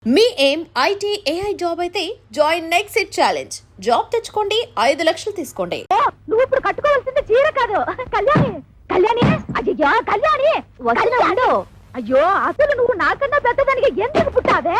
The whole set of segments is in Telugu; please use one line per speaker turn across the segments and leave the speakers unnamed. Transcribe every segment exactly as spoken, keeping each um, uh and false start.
మీ ఏం ఐటీ ఏఐ జాబ్ అయితే join next it challenge. Job తెచ్చుకోండి, ఐదు లక్షలు తీసుకోండి.
నువ్వు ఇప్పుడు కట్టుకోవాల్సింది చీర కాదు, కళ్యాణి. కళ్యాణి, అయ్యో కళ్యాణి, వస్తున్నాడు. అయ్యో అసలు నువ్వు నాకన్నా పెద్దదానికి ఎందుకు పుట్టావే?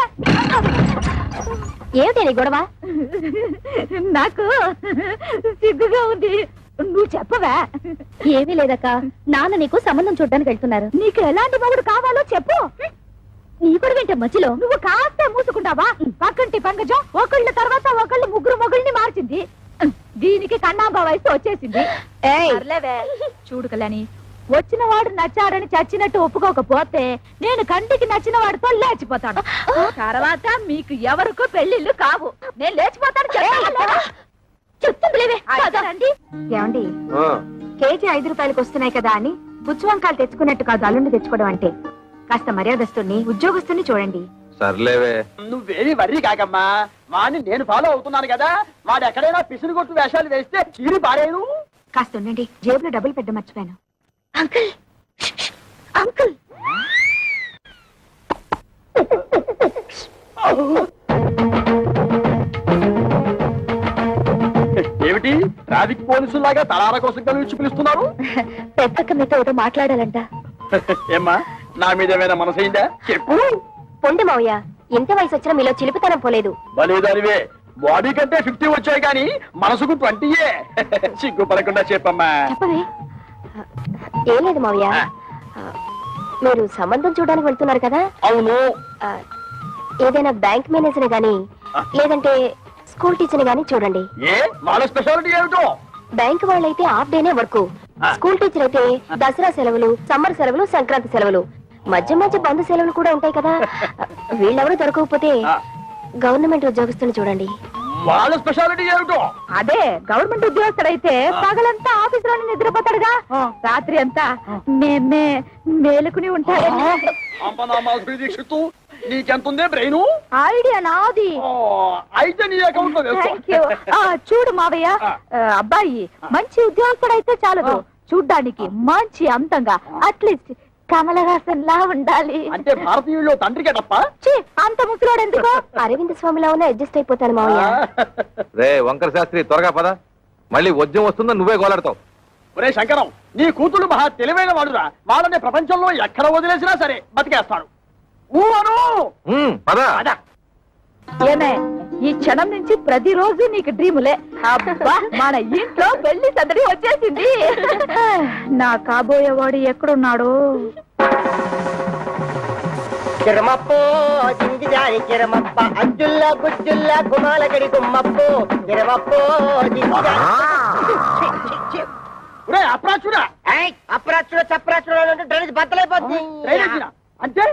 ఏమిటి నీ గొడవ? నాకు సిగ్గుగా ఉంది, నువ్వు చెప్పవా? ఏమీ లేదక్క, నాన్న నీకు సంబంధం చూడడానికి వెళ్తున్నారు. నీకు ఎలాంటి మొగుడు కావాలో చెప్పు. నీ కూడా వింటే మధ్యలో నువ్వు కాస్త మూసుకుంటావా? పక్కంటి పంకజం ఒకళ్ళ తర్వాత ఒకళ్ళు ముగ్గురు మొగుళ్ళని మార్చింది. దీనికి కన్నాంబా వయసు వచ్చేసింది. చూడు కళ్యాణి, వచ్చిన వాడు నచ్చాడని చచ్చినట్టు ఒప్పుకోకపోతే నేను కంటికి నచ్చిన వాడితో లేచిపోతాను. తర్వాత మీకు ఎవరికో పెళ్లిళ్ళు కావు, నేను లేచిపోతాను. చెప్తుందిలేవే. ఏమండి, కేజీ ఐదు రూపాయలకు వస్తున్నాయి కదా అని పుచ్చు వంకాయలు తెచ్చుకున్నట్టు కాదు అల్లుండి తెచ్చుకోవడం అంటే. కాస్త మర్యాదస్తుని ఉద్యోగస్తుని చూడండి.
సర్లేవే,
నువ్వేది వర్రీ కాకమ్మా. వాడిని నేను ఫాలో అవుతున్నాను కదా, వాడు ఎక్కడైనా పిసిని కొట్టు వేషాలు వేస్తే చీరి పారేను.
కాస్త ఉండండి, జేబులో డబ్బులు పెట్ట మర్చిపోయాను. అంకుల్, అంకుల్,
ఏమిటి ట్రాఫిక్ పోలీసులాగా తలార కోసం కలిసి పిలుస్తున్నారు?
పెద్దక్క మీతో ఏదో మాట్లాడాలంట.
ఏమ్మా, నా మీద ఏమైనా మనసైందా? చెప్పు.
పొండి మావయ్య, ఎంత వయసు వచ్చినా మీలో చిలిపితనం పోలేదు.
బలేదానివే, బాడీ కంటే ఫిఫ్టీ వచ్చాయి కానీ మనసుకు ట్వంటీయే. సిగ్గుపడకుండా చెప్పమ్మా.
చెప్పవే. ఏం లేదు మావయ్య, మీరు సంబంధం చూడడానికి వెళ్తున్నారు కదా.
అవును.
ఏదైనా బ్యాంక్ మేనేజర్ గాని లేదంటే స్కూల్ టీచర్ గాని చూడండి.
ఏ వాళ్ళ స్పెషాలిటీ ఏమిటో?
బ్యాంక్ వాళ్ళైతే హాఫ్ డేనే వర్క్, స్కూల్ టీచర్ అయితే దసరా సెలవులు, సమ్మర్ సెలవులు, సంక్రాంతి సెలవులు, మధ్య మధ్య బంధు సెలవులు కూడా ఉంటాయి కదా. వీళ్ళెవరూ దొరకకపోతే గవర్నమెంట్ ఉద్యోగస్తులు చూడండి.
వాళ్ళ స్పెషాలిటీ ఏమిటో?
అదే గవర్నమెంట్ ఉద్యోగస్తుడైతే పగలంతా ఆఫీస్ లోనే నిద్రపోతాడుగా, రాత్రి అంతా మేమే మేలుకుని ఉంటాడు.
నీకెంతుందే బ్రెయిన్?
ఐడియా నాది.
అయితే నీ అకౌంట్ లో వేసుకో.
చూడు మావయ్య, అబ్బాయి మంచి ఉద్యోగస్తుడైతే చాలదు, చూడ్డానికి మంచి అంతంగా అట్లీస్ట్ కమలహాసన్ లా ఉండాలి.
అంటే భారతీయుల్లో తండ్రికే తప్ప
అంత ముసలోడు ఎందుకో అరవింద్ స్వామిలా ఉన్న అడ్జస్ట్ అయిపోతాను మావయ్య.
రే వంకర శాస్త్రి, త్వరగా పద, మళ్ళీ వద్యం వస్తుందో నువ్వే గోలాడతావు.
ఒరే శంకరం, నీ కూతురు మహా తెలివైన వాడురా. వాళ్ళని ప్రపంచంలో ఎక్కడ వదిలేసినా సరే బతికేస్తాడు. ఏమే, ఈ క్షణం నుంచి ప్రతిరోజు నీకు డ్రీములే. అబ్బా, మన ఇంట్లో పెళ్లి సందడి వచ్చేసింది. నా కాబోయేవాడు ఎక్కడున్నాడు?
కిరమప్పో జింగిజారి కిరమప్ప అజ్జుల్లా గుజ్జుల్లా గుమాలగడి గుమ్మప్పో కిరమప్పో
అప్రాచుడా
అప్రాచుడు చప్రాచుడు డ్రైనేజ్ బద్దలైపోతుంది.
అంటే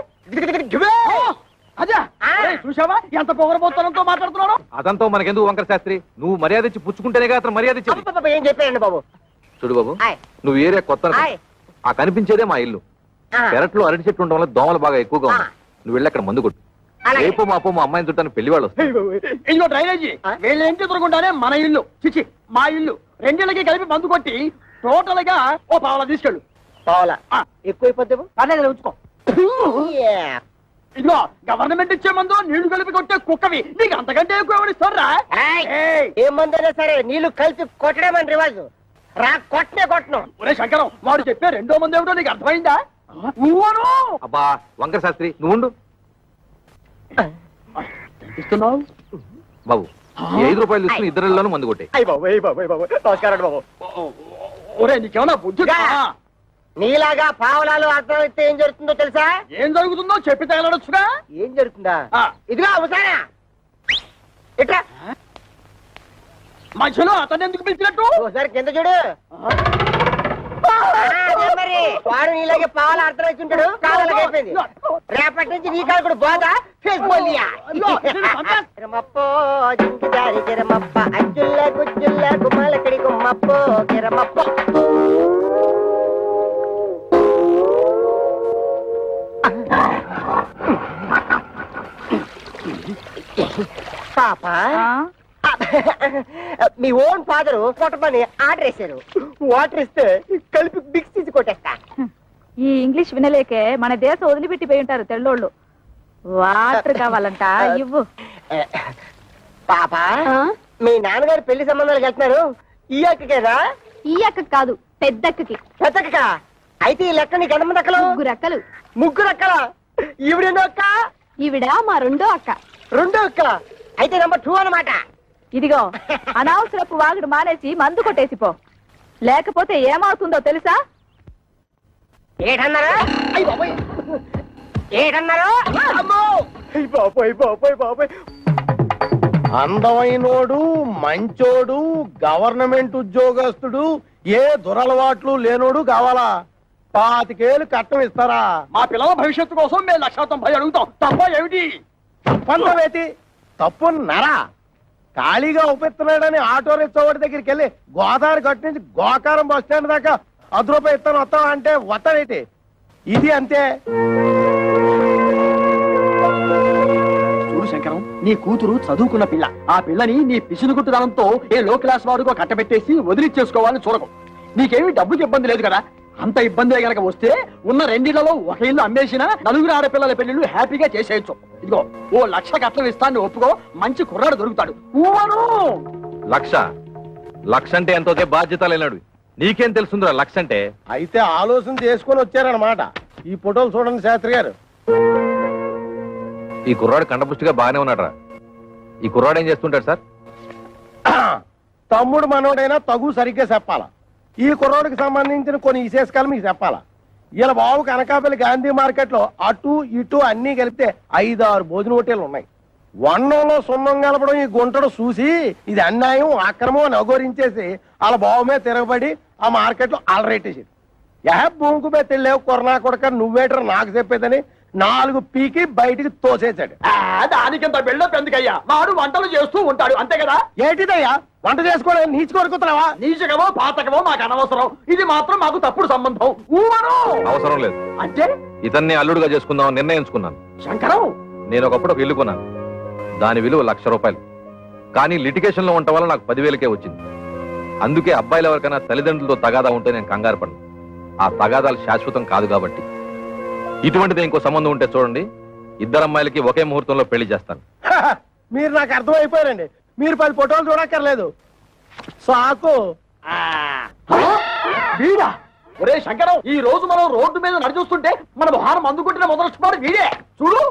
అదే చూసావా ఎంత పొగరబోత్తనంతో మాట్లాడుతున్నాడు?
అదంతా మనకెందుకు వంకర శాస్త్రి, నువ్వు మర్యాద ఇచ్చి పుచ్చుకుంటేనే అతను మర్యాద ఇచ్చేది.
ఏం చెప్పారండి బాబు?
చూడు బాబు, నువ్వు ఏరియా కొత్త, ఆ కనిపించేదే మా ఇల్లు. పెరట్లో అరటి చెట్టు ఉండడం వల్ల దోమలు బాగా ఎక్కువగా ఉన్నాయి. నువ్వు వెళ్ళి అక్కడ మందు కొట్టు. రేపు మాపో మా అమ్మాయిని చుట్టాను పెళ్లి వాళ్ళు వస్తారు.
ఇదిగో డ్రైనేజీ, వీళ్ళ ఇంటి ఎదురుకుంటానే మన ఇల్లు, చిచి మా ఇల్లు. రెండేళ్ళకి కలిపి మందు కొట్టి టోటల్ గా ఓ పావలా తీసుకెళ్ళు.
పావలా ఎక్కువైపోతే
పర్లేదు, ఉంచుకో. ఇదిగో గవర్నమెంట్ ఇచ్చే మందు నీళ్లు కలిపి కొట్టే కుక్కవి, నీకు అంతకంటే ఎక్కువ ఎవరిస్తారా?
ఏ మందైనా సరే నీళ్లు కలిపి కొట్టడమని రివాజు, రా కొట్టనే కొట్టను.
ఒరే శంకరం, వాడు చెప్పే రెండో మంది ఏమిటో నీకు అర్థమైందా?
అబ్బా వంకర శాస్త్రి, నువ్వు ఉండు.
ఇస్తున్నావు
బాబు, ఐదు రూపాయలు తీసుకుని ఇద్దరిలోనూ మందు కొట్టే.
నమస్కారం బాబు. ఒరే నీకేమన్నా బుద్ధి?
నీలాగా పావలాలు అర్థమైతే ఏం జరుగుతుందో తెలుసా?
ఏం జరుగుతుందో చెప్పి తగలడొచ్చుగా.
ఏం జరుగుతుందా? ఇదిగా అవసానా ఇట్లా
మధ్యలో అతను ఎందుకు పిలిచినట్టు?
ఒకసారి కింద చూడు. మరి వాడు నీలాగే పావాల అర్థమైతుంటాడు, కావాలకి అయిపోయింది. రేపటి నుంచి నీ కాలు కూడా బాగా కిరమప్పో జింకిదారి కిరమప్ప అజ్జుల్లా గుజ్జుల్లా గుమ్మాలకడి గుమ్మప్పో కిరమప్పో. పాప, మీ ఓన్ ఫాదర్ కొట్టమని ఆర్డర్ వేశారు. వాటర్ ఇస్తే కలిపి బిక్స్ తీసి కొట్టేస్తా.
ఈ ఇంగ్లీష్ వినలేకే మన దేశం వదిలిపెట్టిపోయి ఉంటారు తెల్లోళ్ళు.
వాటర్ కావాలంట ఇవ్వు.
పాప మీ నాన్నగారు పెళ్లి సంబంధాలకు వెళ్తున్నారు ఈ అక్కకేనా?
ఈ అక్క కాదు, పెద్దక్కకి.
పెద్దక్క అయితే ఈ లెక్క నీకు ఎంతమంది అక్కలు?
ముగ్గురు అక్కలు.
ముగ్గురు అక్కల. ఈవిడెన్నో అక్క?
ఈవిడ మా రెండో అక్క.
రెండో అక్క అయితే నెంబర్ టూ అన్నమాట.
ఇదిగో అనవసరపు వాగుడు మానేసి మందు కొట్టేసిపో, లేకపోతే ఏమవుతుందో తెలుసా?
ఏటన్నారా? అయ్య బాబోయ్, ఏటన్నారా? అమ్మో! అయ్య బాబోయ్ బాబోయ్ బాబోయ్.
అందమైనోడు, మంచోడు, గవర్నమెంట్ ఉద్యోగస్తుడు, ఏ దురలవాట్లు లేనోడు కావాలా? పాతికేలు కట్టం ఇస్తారా?
మా పిల్లల భవిష్యత్తు కోసం మేము లక్ష తొంభై అడుగుతాం. తప్ప ఏమిటి?
తప్పంతవేతి తప్పు నరా. ఖాళీగా ఉపయోగిస్తున్నాడని ఆటో రిక్షావాడి దగ్గరికి వెళ్ళి గోదావరి గట్టు నుంచి గోకారం బస్ స్టాండ్ దాకా అర్ధ రూపాయి ఇస్తాను వస్తావా అంటే వస్తాడేటి? ఇది అంతే.
చూడు శంకరం, నీ కూతురు చదువుకున్న పిల్ల. ఆ పిల్లని నీ పిసినుగుట్టుదనంతో ఏ లో క్లాస్ వాడుకో కట్టబెట్టేసి వదిలిచ్చేసుకోవాలని చూడకు. నీకేమీ డబ్బుకి ఇబ్బంది లేదు కదా. అంత ఇబ్బంది గనక వస్తే ఉన్న రెండిళ్లలో ఒక ఇల్లు అమ్మేసినా నలుగురు ఆడపిల్లల పెళ్లిళ్ళు హ్యాపీగా చేసేయచ్చు. ఇదిగో ఓ లక్ష కట్నం ఇస్తాను ఒప్పుకో, మంచి కుర్రాడు దొరుకుతాడు. ఊవను
లక్ష లక్ష అంటే ఎంతో బాధ్యత లేనాడు. నీకేం తెలుసుందిరా లక్ష అంటే?
అయితే ఆలోచన చేసుకొని వచ్చారనమాట. ఈ ఫోటోలు చూడండి శాస్త్రి గారు.
ఈ కుర్రాడు కండపుష్టిగా బాగానే ఉన్నాడురా. ఈ కుర్రాడు ఏం చేస్తుంటాడు సార్?
తమ్ముడు మనోడైనా తగు సరిగ్గా చెప్పాలా. ఈ కుర్రోడికి సంబంధించిన కొన్ని విశేషాలు మీకు చెప్పాలా. ఇలా బాబు కనకాపల్లి గాంధీ మార్కెట్ లో అటు ఇటు అన్ని కలిపితే ఐదు ఆరు భోజన హోటేలు ఉన్నాయి. వన్నంలో సున్నం కలపడం ఈ గుంటడు చూసి ఇది అన్యాయం, అక్రమం అని అఘోరించేసి వాళ్ళ బాబు మీద తిరగబడి ఆ మార్కెట్ లో అలరేటేసింది. యహ భూమికి మీద తెలియవు కొరనా కొడక నువ్వేటర్ నాకు చెప్పేదని నాలుగు పీకి బయటికి తోసేశాడు.
దానికింత బిల్డప్ ఎందుకయ్యా? మాడు వంటలు చేస్తూ ఉంటాడు అంతే కదా.
ఏంటిదయ్యా వంట చేసుకోవడం నీచి కొడుకుతున్నావా?
నీచకమో పాతకమో మాకు అనవసరం. ఇది మాత్రం మాకు తప్పుడు సంబంధం. ఊవను
అవసరం లేదు.
అంటే
ఇతన్ని అల్లుడుగా చేసుకుందామని నిర్ణయించుకున్నాను.
శంకరం,
నేను ఒకప్పుడు ఒక ఇల్లు కొన్నాను. దాని విలువ లక్ష రూపాయలు. కానీ లిటిగేషన్ లో ఉండటం వల్ల నాకు పదివేలకే వచ్చింది. అందుకే అబ్బాయిలు ఎవరికైనా తల్లిదండ్రులతో తగాదా ఉంటే నేను కంగారు పడను. ఆ తగాదాలు శాశ్వతం కాదు కాబట్టి. ఇటువంటిది ఇంకో సంబంధం ఉంటే చూడండి, ఇద్దరు అమ్మాయిలకి ఒకే ముహూర్తంలో పెళ్లి చేస్తాను.
మీరు నాకు అర్థమైపోయారండి. మీరు పది ఫోటోలు చూడక్కర్లేదు. సాకు
వీడా? ఒరే శంకరం, ఈ రోజు మనం రోడ్డు మీద నడిచూస్తుంటే మన మొహారం అందుకుంటున్న మొదలొచ్చినాడు వీడే. చూడు.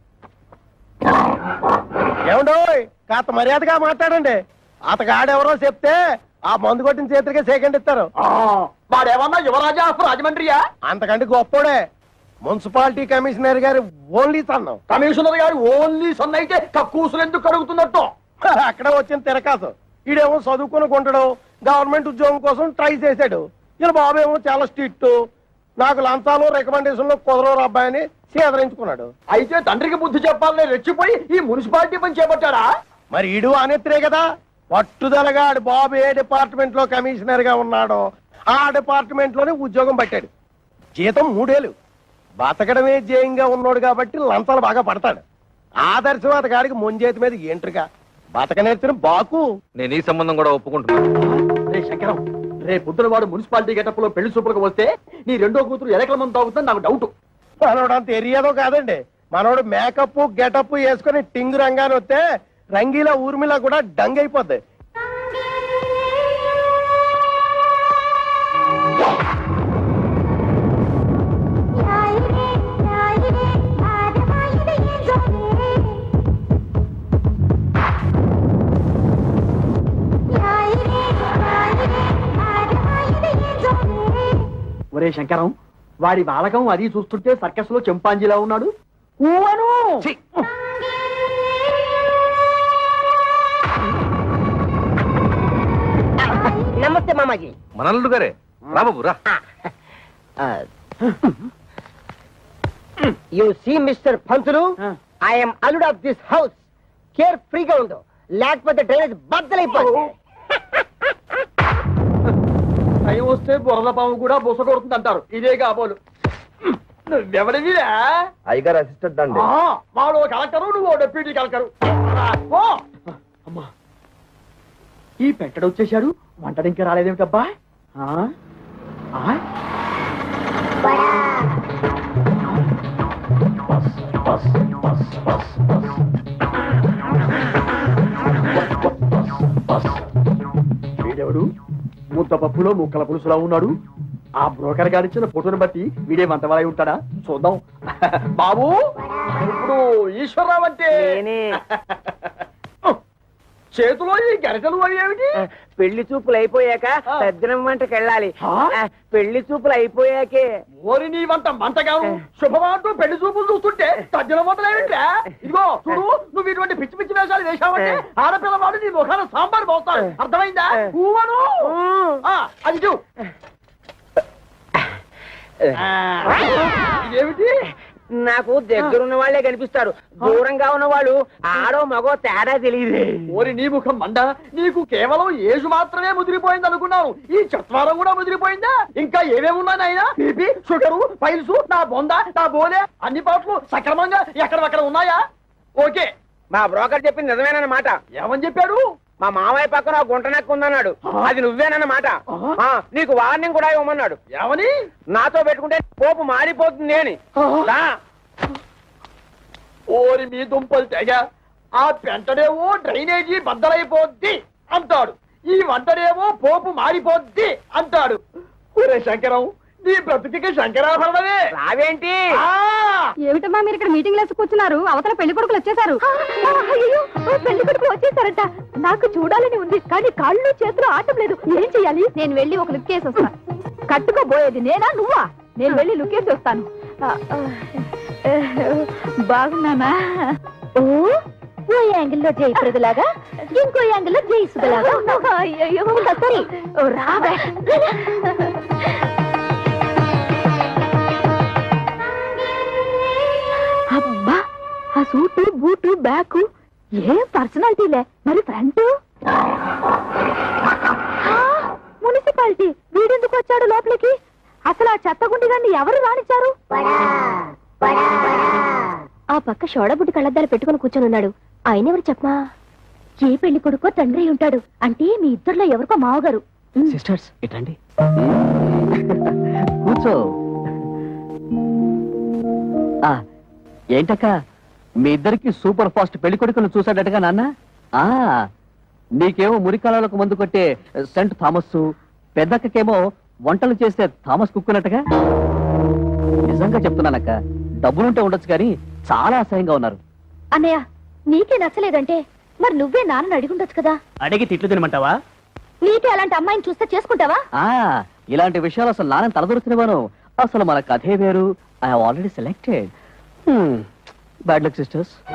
ఏమండో కాస్త మర్యాదగా మాట్లాడండి. అతగాడెవరో చెప్తే ఆ మందు కొట్టిన చేతికే సెకండ్ ఇస్తారు.
ఆ, వాడేమన్నా యువరాజా ఆఫ్ రాజమండ్రియా?
అంతకంటే గొప్పోడే. మున్సిపాలిటీ కమిషనర్ గారి ఓన్లీ సన్నం.
కమిషనర్ గారు ఓన్లీ సన్ అయితే కక్కూసులు ఎందుకు కడుగుతున్నట్టు?
అక్కడ వచ్చిన తిరకాసు. ఈడేమో చదువుకుని కొంటాడు, గవర్నమెంట్ ఉద్యోగం కోసం ట్రై చేశాడు. ఇలా బాబేమో చాలా స్ట్రిక్ట్, నాకు లంచాలు రికమెండేషన్లు కుదరవు అబ్బాయిని సేదరించుకున్నాడు.
అయితే తండ్రికి బుద్ధి చెప్పాలని రెచ్చిపోయి ఈ మున్సిపాలిటీ పని చేపట్టాడా?
మరి ఈడు అనేత్రే కదా పట్టుదలగా ఆడు బాబు ఏ డిపార్ట్మెంట్ లో కమిషనర్ గా ఉన్నాడో ఆ డిపార్ట్మెంట్ లోనే ఉద్యోగం పట్టాడు. జీతం మూడేళ్ళు. బతకడమే జయంగా ఉన్నాడు కాబట్టి లంచాలు బాగా పడతాడు. ఆదర్శవాద గాడికి ముంజేతి మీద ఏంట్రుగా బతక నేర్చిన బాకు.
నేను ఈ సంబంధం కూడా ఒప్పుకుంటున్నాను.
రే శంకరం, రే పొద్దున వాడు మున్సిపాలిటీ గెటప్ లో పెళ్లి చూపులకు వస్తే నీ రెండో కూతురు ఎలకల మంది తాగుతుందని నాకు డౌట్.
మనోడు అంత ఎరియాదో కాదండి. మనోడు మేకప్ గెటప్ వేసుకుని టింగు రంగాన్ని వస్తే రంగీలా ఊర్మిలా కూడా డంగ్ అయిపోద్ది.
ఒరే శంకరం, వాడి బాలకం అది చూస్తుంటే సర్కస్ లో చెంపాంజీలా ఉన్నాడు. ఊవను
నమస్తే మామాజీ.
మన అల్లుడు గారే. రా బాబు రా.
You see mister Pantulu, I'm అల్లుడ్ ఆఫ్ దిస్ హౌస్. కేర్ ఫ్రీగా ఉండు, లేకపోతే డ్రైనేజ్ బద్దలైపోతుంది.
టైం వస్తే బురద పాము కూడా బుస కొడుతుంది అంటారు. ఇదే కాబోలు. నువ్వెవడివిరా?
అయ్యగారు అసిస్టెంట్ అండి.
వాడు కలెక్టరు, నువ్వు డెప్యూటీ కలెక్టరు. అమ్మా, ఈ పెట్టడు వచ్చేసాడు. వంటడు ఇంకా రాలేదేమిటబ్బా? ఆ? ఆ? Bus, bus, bus. వీడెవడు ముద్ద పప్పులో ముక్కల పులుసులా ఉన్నాడు. ఆ బ్రోకర్ గారిచ్చిన ఫోటోని బట్టి వీడే మంతవాలై ఉంటాడా చూద్దాం. బాబు ఇప్పుడు ఈశ్వరరావు అంటే చేతిలో ఈ గరిటలు అవి ఏమిటి?
పెళ్లి చూపులు అయిపోయాక
ఆ.
తద్దినం వంటకి వెళ్ళాలి.
ఆ?
ఆ, పెళ్లి చూపులు అయిపోయాకే
ఓరి నీ వంట మంటగాను శుభమాంటూ పెళ్లి చూపులు చూస్తుంటే తజ్జల మొదలైంట్రా. ఇదిగో చూడు, నువ్వు ఇటువంటి పిచ్చి పిచ్చి వేషాలు వేశావంటే ఆడపిల్లవాడు నీ ముఖాన సాంబార్ పోస్తాడు. అర్థమైందా? ఊవను ఆ, అది చూ. ఆ, ఇదేమిటి?
నాకు దగ్గరున్న వాళ్ళే కనిపిస్తారు, దూరంగా ఉన్న వాళ్ళు ఆడో మగో తేడా తెలియదు.
ఓరి నీ ముఖం మండ, నీకు కేవలం ఏజు మాత్రమే ముదిరిపోయింది అనుకున్నాను. ఈ చత్వారం కూడా ముదిరిపోయిందా? ఇంకా ఏమేమి ఉన్నాయి నాయనా? బీపీ, షుగరు, పైల్స్, నా బొంద, నా బోలే అన్ని పాటలు సక్రమంగా ఎక్కడక్కడ ఉన్నాయా? ఓకే.
మా బ్రోకర్ చెప్పింది నిజమేనన్నమాట.
ఏమని చెప్పాడు?
మా మామయ్య పక్కన ఒక గుంట నక్క ఉందన్నాడు, అది నువ్వేనన్నమాట. ఆ, నీకు వార్నింగ్ కూడా ఇవ్వమన్నాడు.
ఏమని?
నాతో పెట్టుకుంటే పోపు మారిపోతుంది అని. రా.
ఓరి మీ దుంపలు తెగ, ఆ పెంటడేమో డ్రైనేజీ బద్దలైపోద్ది అంటాడు, ఈ వంటడేమో పోపు మారిపోద్ది అంటాడు. ఒరే శంకరం, నీ బ్రతుకికి శంకరాభరణమే.
రావేంటి?
ఆ!
ఏమిటమ్మా మీరు ఇక్కడ మీటింగ్ లేసి కూర్చున్నారు? అవతల పెళ్లి కొడుకులు వచ్చేసారు. అయ్యో, పెళ్లి కొడుకులు వచ్చేసారట. నాకు చూడాలని ఉంది, కానీ కాళ్ళు చేతులు ఆటం లేదు. ఏం చెయ్యాలి? నేను వెళ్ళి ఒక లుక్ వేసి వస్తాను. కట్టుకోబోయేది నేనా నువ్వా? నేను వెళ్ళి లుక్ వేసి వస్తాను. బాగున్నానా? ఓ ఓ యాంగిల్లో జయప్రదలాగా, ఇంకో యాంగిల్లో జయసుధలాగా. అయ్యో సరే, రావే. అబ్బా, ఆ సూటు బూటు బ్యాగు ఏం పర్సనాలిటీలే. మరి ఫ్రంట్ మున్సిపాలిటీ వీడెందుకు వచ్చాడు లోపలికి? అసలు ఆ చెత్తగుండి గారిని ఎవరు రానిచ్చారు? ఆ పక్క షోడబుడ్డి కళ్ళద్దాలు పెట్టుకుని కూర్చొని ఉన్నాడు. ఆయన ఎవరు చెప్పమా? ఏ పెళ్లి కొడుకో తండ్రి ఉంటాడు. అంటే మీ ఇద్దరులో ఎవరికో మావగారు.
సిస్టర్స్ ఇటండి, కూర్చో. ఆ, ఏంటక్క మీ ఇద్దరికి సూపర్ ఫాస్ట్ పెళ్లి కొడుకును చూసాడటగా నాన్న? ఆ నీకేమో మురికాలకు మందు కొట్టే సెంట్ థామస్, పెద్దక్కకేమో వంటలు చేసే థామస్ కుక్కునట్టుగా. నిజంగా చెప్తున్నానక్క, డబ్బులుంటే ఉండొచ్చు కానీ చాలా అసహ్యంగా ఉన్నారు.
అన్నయ్య, నీకే నచ్చలేదంటే మరి నువ్వే నాన్నని అడిగుండొచ్చు కదా.
అడిగి తిట్లు తినమంటావా?
నీకే అలాంటి అమ్మాయిని చూస్తే చేసుకుంటావా?
ఆ ఇలాంటి విషయాలు అసలు నాన్న తలదొరుకునేవాను. అసలు మన కథే వేరు. I already selected. Bad luck sisters.